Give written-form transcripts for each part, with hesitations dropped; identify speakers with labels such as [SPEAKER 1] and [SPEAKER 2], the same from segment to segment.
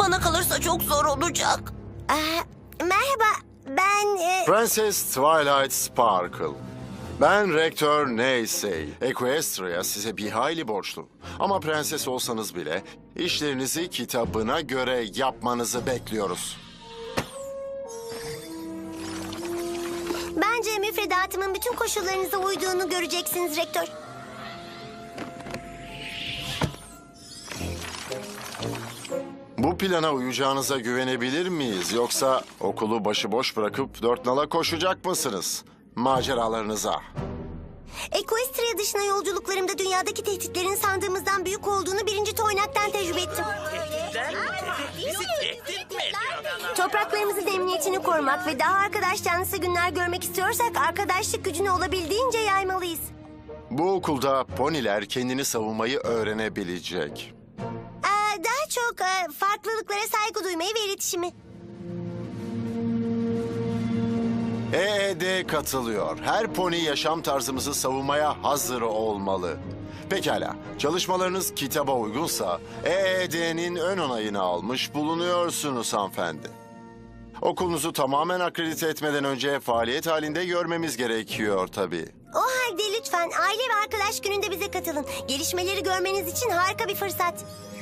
[SPEAKER 1] Bana kalırsa çok zor olacak.
[SPEAKER 2] Merhaba, ben...
[SPEAKER 3] Prenses Twilight Sparkle. Ben Rektör Neysey. Equestria size bir hayli borçlu. Ama prenses olsanız bile işlerinizi kitabına göre yapmanızı bekliyoruz.
[SPEAKER 2] Bence müfredatımın bütün koşullarınıza uyduğunu göreceksiniz Rektör.
[SPEAKER 3] Bu plana uyacağınıza güvenebilir miyiz? Yoksa okulu başıboş bırakıp dört nala koşacak mısınız? Maceralarınıza.
[SPEAKER 2] Equestria dışına yolculuklarımda dünyadaki tehditlerin sandığımızdan büyük olduğunu birinci toynaktan tecrübe ettim. Topraklarımızın emniyetini korumak ve daha arkadaş canlısı günler görmek istiyorsak arkadaşlık gücünü olabildiğince yaymalıyız.
[SPEAKER 3] Bu okulda poniler kendini savunmayı öğrenebilecek.
[SPEAKER 2] Daha çok farklılıklara saygı duymayı ve iletişimi.
[SPEAKER 3] EED katılıyor. Her pony yaşam tarzımızı savunmaya hazır olmalı. Pekala, çalışmalarınız kitaba uygunsa EED'nin ön onayını almış bulunuyorsunuz hanımefendi. Okulunuzu tamamen akredite etmeden önce faaliyet halinde görmemiz gerekiyor tabii.
[SPEAKER 2] O halde lütfen aile ve arkadaş gününde bize katılın. Gelişmeleri görmeniz için harika bir fırsat.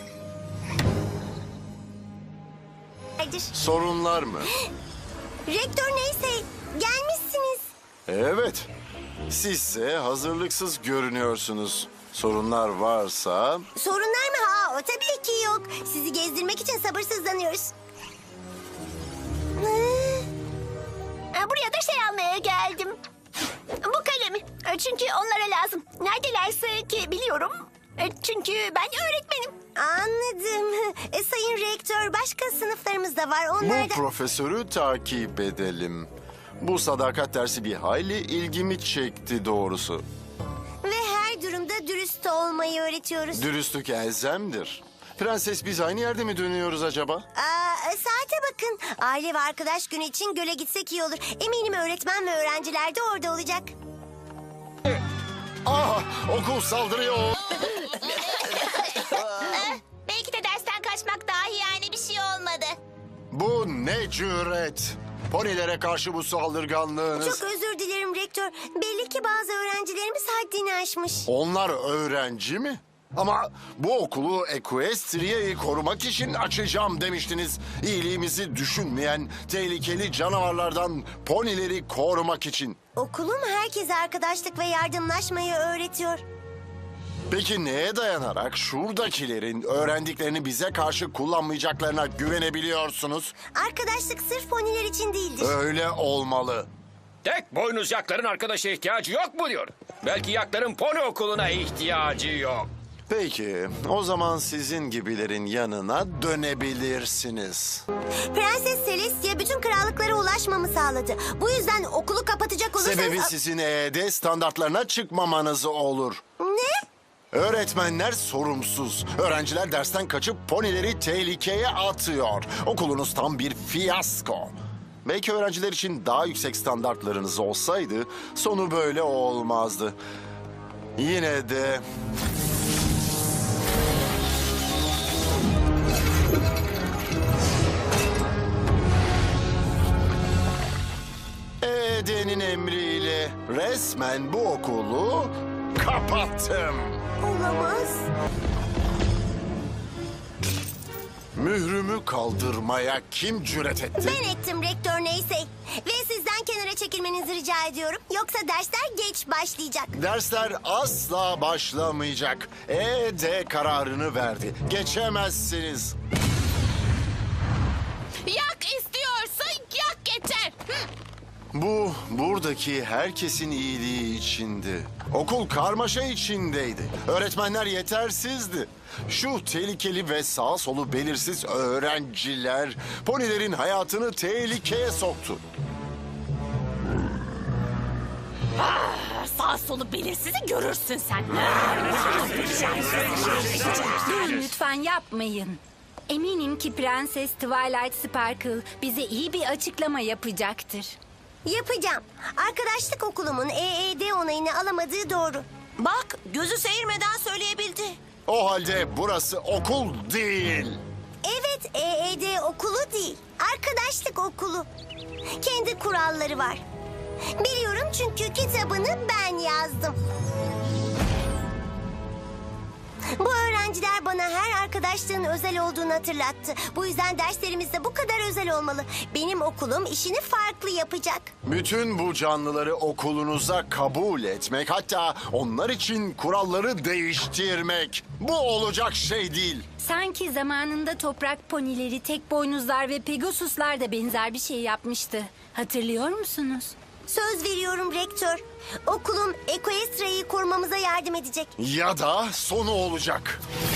[SPEAKER 3] Sorunlar mı?
[SPEAKER 2] Rektör neyse gelmişsiniz.
[SPEAKER 3] Evet. Sizse hazırlıksız görünüyorsunuz. Sorunlar varsa...
[SPEAKER 2] Sorunlar mı? O tabii ki yok. Sizi gezdirmek için sabırsızlanıyoruz. Buraya da şey almaya geldim. Bu kalemi. Çünkü onlara lazım. Neredelerse ki biliyorum. Çünkü ben öğretmenim. Anladım. Sayın Rektör, başka sınıflarımız da var.
[SPEAKER 3] Bu
[SPEAKER 2] Onlar da...
[SPEAKER 3] profesörü takip edelim. Bu sadakat dersi bir hayli ilgimi çekti doğrusu.
[SPEAKER 2] Ve her durumda dürüst olmayı öğretiyoruz.
[SPEAKER 3] Dürüstlük elzemdir. Prenses biz aynı yerde mi dönüyoruz acaba?
[SPEAKER 2] Saate bakın. Aile ve arkadaş günü için göle gitsek iyi olur. Eminim öğretmen ve öğrenciler de orada olacak.
[SPEAKER 3] Okul saldırıyor.
[SPEAKER 4] Belki de dersten kaçmak dahi yani bir şey olmadı.
[SPEAKER 3] Bu ne cüret? Ponilere karşı bu saldırganlığınız.
[SPEAKER 2] Çok özür dilerim Rektör. Belli ki bazı öğrencilerimiz haddini aşmış.
[SPEAKER 3] Onlar öğrenci mi? Ama bu okulu Equestria'yı korumak için açacağım demiştiniz. İyiliğimizi düşünmeyen tehlikeli canavarlardan ponileri korumak için.
[SPEAKER 2] Okulum herkese arkadaşlık ve yardımlaşmayı öğretiyor.
[SPEAKER 3] Peki neye dayanarak şuradakilerin öğrendiklerini bize karşı kullanmayacaklarına güvenebiliyorsunuz?
[SPEAKER 2] Arkadaşlık sırf poniler için değildir.
[SPEAKER 3] Öyle olmalı.
[SPEAKER 5] Tek boynuz yakların arkadaşa ihtiyacı yok mu diyor. Belki yakların pony okuluna ihtiyacı yok.
[SPEAKER 3] Peki, o zaman sizin gibilerin yanına dönebilirsiniz.
[SPEAKER 2] Prenses Celestia bütün krallıklara ulaşmamı sağladı. Bu yüzden okulu kapatacak olursanız...
[SPEAKER 3] Sebebi sizin EED standartlarına çıkmamanız olur.
[SPEAKER 2] Ne?
[SPEAKER 3] Öğretmenler sorumsuz. Öğrenciler dersten kaçıp ponileri tehlikeye atıyor. Okulunuz tam bir fiyasko. Belki öğrenciler için daha yüksek standartlarınız olsaydı sonu böyle olmazdı. Yine de... EED'nin emriyle resmen bu okulu kapattım.
[SPEAKER 2] Olamaz.
[SPEAKER 3] Mührümü kaldırmaya kim cüret etti?
[SPEAKER 2] Ben ettim Rektör neyse. Ve sizden kenara çekilmenizi rica ediyorum. Yoksa dersler geç başlayacak.
[SPEAKER 3] Dersler asla başlamayacak. EED kararını verdi. Geçemezsiniz.
[SPEAKER 4] Yak istiyorsa yak yeter.
[SPEAKER 3] Bu buradaki herkesin iyiliği içindi. Okul karmaşa içindeydi. Öğretmenler yetersizdi. Şu tehlikeli ve sağ solu belirsiz öğrenciler ponilerin hayatını tehlikeye soktu.
[SPEAKER 4] Sağ solu belirsizi görürsün sen.
[SPEAKER 6] Durun lütfen yapmayın. Eminim ki Prenses Twilight Sparkle bize iyi bir açıklama yapacaktır.
[SPEAKER 2] Yapacağım. Arkadaşlık okulumun EED onayını alamadığı doğru.
[SPEAKER 1] Bak, gözü seyirmeden söyleyebildi.
[SPEAKER 3] O halde burası okul değil.
[SPEAKER 2] Evet, EED okulu değil, arkadaşlık okulu. Kendi kuralları var. Biliyorum çünkü kitabını ben yazdım. Bu öğrenciler bana her arkadaşlığın özel olduğunu hatırlattı. Bu yüzden derslerimiz de bu kadar özel olmalı. Benim okulum işini farklı yapacak.
[SPEAKER 3] Bütün bu canlıları okulunuza kabul etmek, hatta onlar için kuralları değiştirmek. Bu olacak şey değil.
[SPEAKER 6] Sanki zamanında toprak ponileri, tek boynuzlar ve pegasuslar da benzer bir şey yapmıştı. Hatırlıyor musunuz?
[SPEAKER 2] Söz veriyorum rektör. Okulum Ekoestra'yı korumamıza yardım edecek.
[SPEAKER 3] Ya da sonu olacak.